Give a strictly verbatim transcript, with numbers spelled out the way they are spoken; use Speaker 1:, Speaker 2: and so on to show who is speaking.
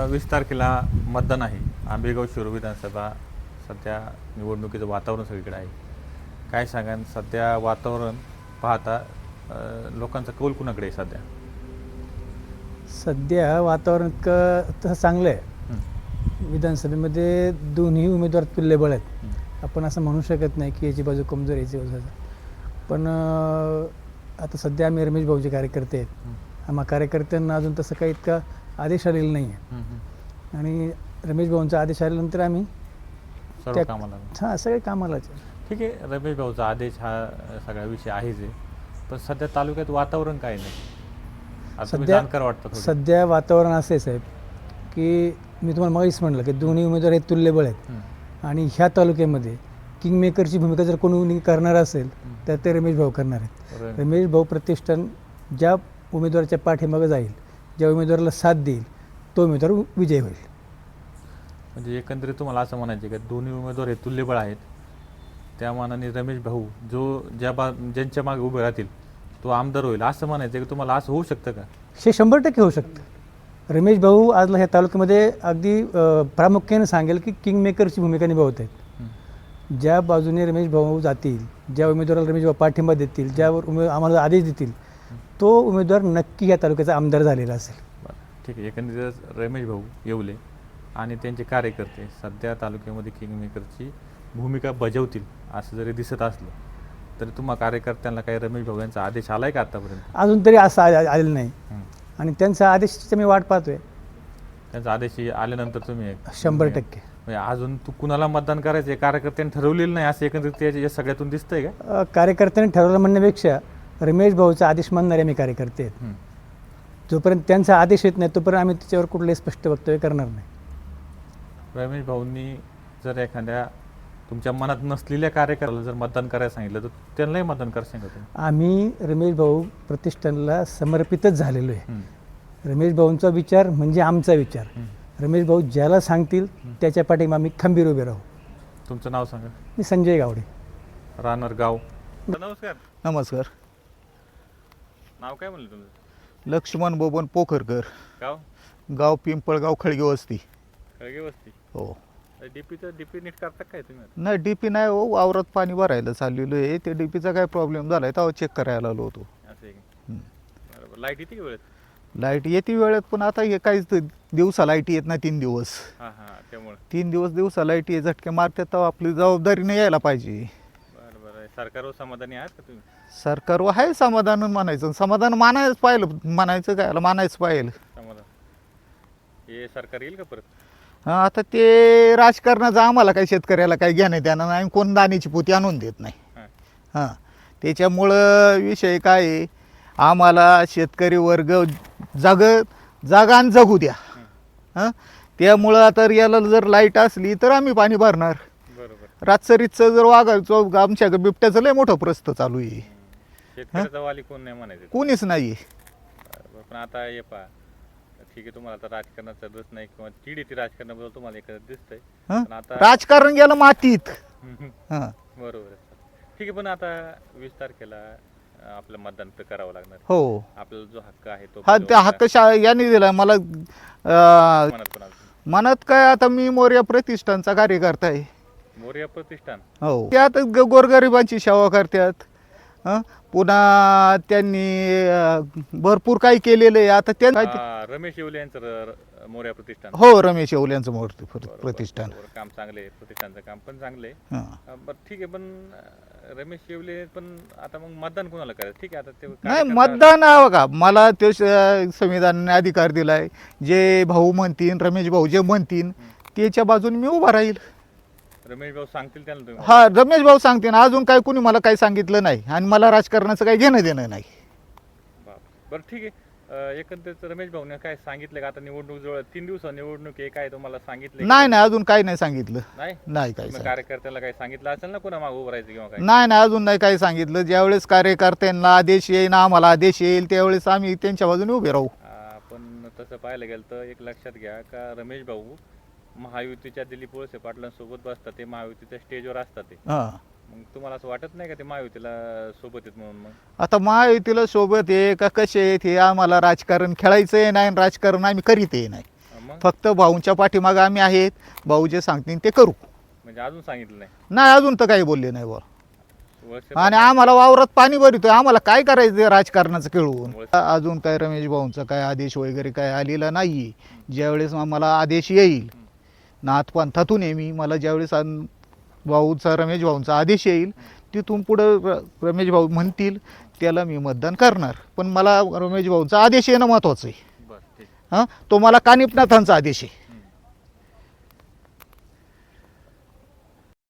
Speaker 1: वीस तारखेला मतदान आहे. आंबेगाव शिरूर विधानसभा सध्या निवडणुकीचं वातावरण सगळीकडे आहे. काय सांगा सध्या वातावरण पाहता अ, लोकांचा कौल कुणाकडे आहे सध्या?
Speaker 2: सध्या वातावरण इतकं तसं चांगलं आहे.
Speaker 1: हं,
Speaker 2: विधानसभेमध्ये दोन्ही उमेदवार तुल्यबळ आहेत.
Speaker 1: हं,
Speaker 2: आपण असं म्हणू शकत नाही की याची बाजू कमजोर याची बाजू. पण अं, आता सध्या आम्ही रमेश भाऊचे कार्यकर्ते आहेत.
Speaker 1: हं,
Speaker 2: आम्हा कार्यकर्त्यांना अजून तसं काही इतका आदेश आलेला नाही आहे.
Speaker 1: हं, हं.
Speaker 2: आणि रमेश भाऊंचा आदेश आल्यानंतर आम्ही
Speaker 1: सर्व
Speaker 2: त्या-
Speaker 1: कामाला
Speaker 2: हां सगळे कामालाच आहे.
Speaker 1: ठीक आहे. रमेश भाऊचा आदेश हा अ, सगळा विषय आहेच आहे. पण सध्या तालुक्यात वातावरण काय नाही. आता तुम्ही
Speaker 2: सध्या
Speaker 1: जाणकार वाटतं थोडं.
Speaker 2: सध्या वातावरण असं आहे साहेब की मी तुम्हाला मगाशीच म्हटलं की दोन्ही उमेदवार हे तुल्यबळ आहेत.
Speaker 1: हं,
Speaker 2: आणि ह्या तालुक्यामध्ये किंगमेकरची भूमिका जर कोणी करणार असेल तर ते रमेश भाऊ करणार आहेत.
Speaker 1: रमेश-
Speaker 2: रमेश भाऊ प्रतिष्ठान ज्या उमेदवाराच्या पाठीमागं जाईल, ज्या उमेदवाराला साथ देईल तो उमेदवार विजयी होईल.
Speaker 1: म्हणजे एकंदरीत तुम्हाला असं म्हणायचे की दोन्ही उमेदवार हे तुल्यबळ आहेत. त्या मानाने रमेश भाऊ जो ज्या बा ज्यांच्या मागे उभे राहतील तो आमदार होईल असं म्हणायचं की तुम्हाला असं होऊ शकतं का?
Speaker 2: हे शंभर टक्के होऊ शकतं. रमेश भाऊ आजला ह्या तालुक्यामध्ये अगदी अ, प्रामुख्याने सांगेल की किंगमेकरची भूमिका निभावत आहेत.
Speaker 1: हं,
Speaker 2: ज्या बाजूने रमेश भाऊ जातील, ज्या उमेदवाराला रमेश भाऊ पाठिंबा देतील, ज्यावर उमे आम्हाला आदेश देतील तो उमेदवार नक्की या तालुक्याचा आमदार झालेला असेल.
Speaker 1: बरं ठीक आहे. एकंदरीत रमेश भाऊ येवले आणि त्यांचे कार्यकर्ते सध्या तालुक्यामध्ये किंगमेकरची भूमिका बजावतील असं जरी दिसत असलं तरी तुम्हा कार्यकर्त्यांना काही रमेश भाऊ यांचा आदेश आलाय का आतापर्यंत?
Speaker 2: अजून तरी असं आ- आलेलं नाही.
Speaker 1: हं.
Speaker 2: आणि त्यांचा आदेशाची मी वाट पाहतोय.
Speaker 1: त्यांचा आदेश आल्यानंतर तुम्ही एक-
Speaker 2: शंभर टक्के
Speaker 1: म्हणजे अजून तू कुणाला मतदान करायचं हे कार्यकर्त्यांनी ठरवलेलं नाही असं एकंदरीत या या सगळ्यातून दिसतंय का?
Speaker 2: अ, कार्यकर्त्यांनी ठरवलं म्हणण्यापेक्षा रमेश भाऊचा आदेश मानणारे आम्ही कार्यकर्ते आहेत.
Speaker 1: हं.
Speaker 2: जोपर्यंत त्यांचा आदेश येत नाही तोपर्यंत आम्ही त्याच्यावर कुठलंही स्पष्ट वक्तव्य करणार नाही.
Speaker 1: रमेश भाऊंनी जर एखाद्या तुमच्या मनात नसलेल्या कार्यकर्त्याला जर मतदान करायला सांगितलं तर त्यांनाही मतदान करा सांगा तुम्ही.
Speaker 2: आम्ही रमेश भाऊ प्रतिष्ठानला समर्पितच झालेलो आहे.
Speaker 1: हं,
Speaker 2: रमेश भाऊंचा विचार म्हणजे आमचा विचार.
Speaker 1: हं.
Speaker 2: रमेश भाऊ ज्याला सांगतील त्याच्या पाठीमागे आम्ही खंबीर उभे राहू.
Speaker 1: तुमचं नाव सांगा.
Speaker 2: मी संजय गावडे.
Speaker 1: राहणार गाव. नमस्कार.
Speaker 3: नमस्कार.
Speaker 1: नाव काय म्हणलं तुमचं?
Speaker 3: लक्ष्मण बोबन पोखरकर.
Speaker 1: गाव?
Speaker 3: गाव पिंपळगाव खळगे वस्ती.
Speaker 1: खळगे वस्ती.
Speaker 3: हो.
Speaker 1: डीपीचं डीपी नीट करता काय तुम्ही आता?
Speaker 3: नाही डीपी नाही हो, वावरात पाणी भरायला चाललेलो आहे. ते डीपीचा काय प्रॉब्लेम झाला आहे तेव्हा चेक करायला आलो होतो.
Speaker 1: असं आहे का?
Speaker 3: हं.
Speaker 1: बरोबर. लाईट येते का वेळेत?
Speaker 3: लाईट येते वेळेत पण आता हे काहीच ते दिवसा लाईट येत नाही. तीन दिवस
Speaker 1: हां हां त्यामुळे.
Speaker 3: तीन दिवस दिवसा लाईट ये झटके मारतात तेव्हा आपली जबाबदारीने यायला पाहिजे.
Speaker 1: बरं बरं. सरकारवर समाधानी आहात का तुम्ही?
Speaker 3: सरकारवर आहे समाधान म्हणायचं. समाधान मानायच पाहिलं. म्हणायचं काय मानायच पाहिलं.
Speaker 1: समाधान. हे सरकार येईल का परत?
Speaker 3: हां आता ते राजकारणाचं आम्हाला काही शेतकऱ्याला काही घेणं देणं नाही. कोण दाण्याची पोती आणून देत नाही.
Speaker 1: हां.
Speaker 3: हां त्याच्यामुळं विषय काय आहे, आम्हाला शेतकरी वर्ग जग जागा आणि जगू द्या. हां त्यामुळं आता याला जर लाईट असली तर आम्ही पाणी भरणार.
Speaker 1: बरोबर.
Speaker 3: रातचं जर वागायचं आमच्या बिबट्याचं लय मोठं प्रस्त चालू आहे.
Speaker 1: शेतकऱ्याचा वाली कोण नाही म्हणायचं.
Speaker 3: कोणीच नाही आहे.
Speaker 1: बरं. पण आता हे पहा ठीक आहे तुम्हाला आता राजकारणाचा रस नाही किंवा चीड येते राजकारणाबद्दल तुम्हाला एखादं दिसतंय
Speaker 3: हां
Speaker 1: पण आता
Speaker 3: राजकारण गेलं मातीत.
Speaker 1: हम्म, हम्म.
Speaker 3: हां
Speaker 1: बरोबर आहे. ठीक आहे पण आता वीस तारखेला अं, आपलं मतदान तर करावं लागणार.
Speaker 3: हो.
Speaker 1: आपल्याला जो हक्क आहे तो
Speaker 3: हा त्या
Speaker 1: बजावण्याचा
Speaker 3: हक्क शा यांनी दिला मला. अं,
Speaker 1: मनात कोणाला?
Speaker 3: मनात काय आता मी मोर्या प्रतिष्ठानचा कार्यकर्ता आहे.
Speaker 1: मोरया प्रतिष्ठान.
Speaker 3: हो त्यात ग- गोरगरिबांची सेवा करतात. हं पुन्हा त्यांनी अं, भरपूर काही केलेलं आहे. आता त्या
Speaker 1: हा, रमेश येवले यांचं र- र- मोरया प्रतिष्ठान.
Speaker 3: हो रमेश येवल्यांचं मूर्ती
Speaker 1: बरोबर,
Speaker 3: प्रतिष्ठान.
Speaker 1: बरोबर. काम चांगले आहे. प्रतिष्ठानचं काम पण चांगले आहे.
Speaker 3: हं.
Speaker 1: अं, बरं ठीक आहे पण अं, रमेश येवले पण आता मग मतदान कोणाला करायचं? ठीक आहे आता ते
Speaker 3: नाही
Speaker 1: कार्यकर्ता-
Speaker 3: मतदान आहे बघा मला ते स- संविधानाने अधिकार दिलाय. जे भाऊ म्हणतील रमेश भाऊ जे म्हणतील त्याच्या बाजूने मी उभा राहील.
Speaker 1: रमेश भाऊ सांगतील त्यांना तुम्ही.
Speaker 3: हा रमेश भाऊ सांगतील. अजून काय कुणी मला काही सांगितलं नाही आणि मला राजकारणाचं काही घेणं देणं नाही.
Speaker 1: बाप. बरं ठीक आहे. अं, एकंदरीत रमेश भाऊने काय सांगितलं का आता निवडणूक जवळ तीन दिवस निवडणूक आहे काय तुम्हाला सांगितलं
Speaker 3: नाही नाही अजून काही नाही सांगितलं.
Speaker 1: नाही
Speaker 3: नाही काही
Speaker 1: मग
Speaker 3: सांगितलं.
Speaker 1: कार्यकर्त्याला काही सांगितलं असेल ना कोणा मागं उभं राहायचं किंवा काय?
Speaker 3: नाही नाही अजून नाही काही सांगितलं. ज्यावेळेस कार्यकर्त्यांना आदेश येईल आम्हाला आदेश येईल त्यावेळेस आम्ही त्यांच्या बाजूने उभे राहू.
Speaker 1: अं, पण तसं पाहायला गेलं तर एक लक्षात घ्या का रमेश भाऊ महायुतीच्या दिलीप वळसे पाटलांसोबत बसतात. ते महायुतीच्या स्टेजवर असतात ते.
Speaker 3: हां
Speaker 1: मग तुम्हाला असं वाटत नाही का ते महायुतीला सोबत आहेत म्हणून? मग
Speaker 3: आता महायुतीला सोबत आहे का कसे आहेत हे आम्हाला राजकारण खेळायचं आहे नाही आणि राजकारण आम्ही करीत आहे नाही.
Speaker 1: अं, मग मग
Speaker 3: फक्त भाऊंच्या पाठीमागं आम्ही आहेत, भाऊ जे सांगतील ते करू.
Speaker 1: म्हणजे अजून सांगितलं नाही
Speaker 3: नाही अजून तर काही बोलले नाही बा.
Speaker 1: वळसे
Speaker 3: आणि आम्हाला वावरात पाणी भरितोय, आम्हाला काय करायचं आहे राजकारणाचं खेळून. अजून काय रमेश भाऊंचा काय आदेश वगैरे काय आलेला नाही. ज्यावेळेस आम्हाला आदेश येईल नाथपंथातून आहे मी, मला ज्यावेळेस अन- भाऊचा रमेश भाऊंचा आदेश येईल तिथून पुढं र रमेश भाऊ म्हणतील त्याला मी मतदान करणार. पण मला रमेश भाऊंचा आदेश येणं महत्त्वाचं आहे.
Speaker 1: बरं ठीक
Speaker 3: हां, तो मला कानिपनाथांचा आदेश आहे.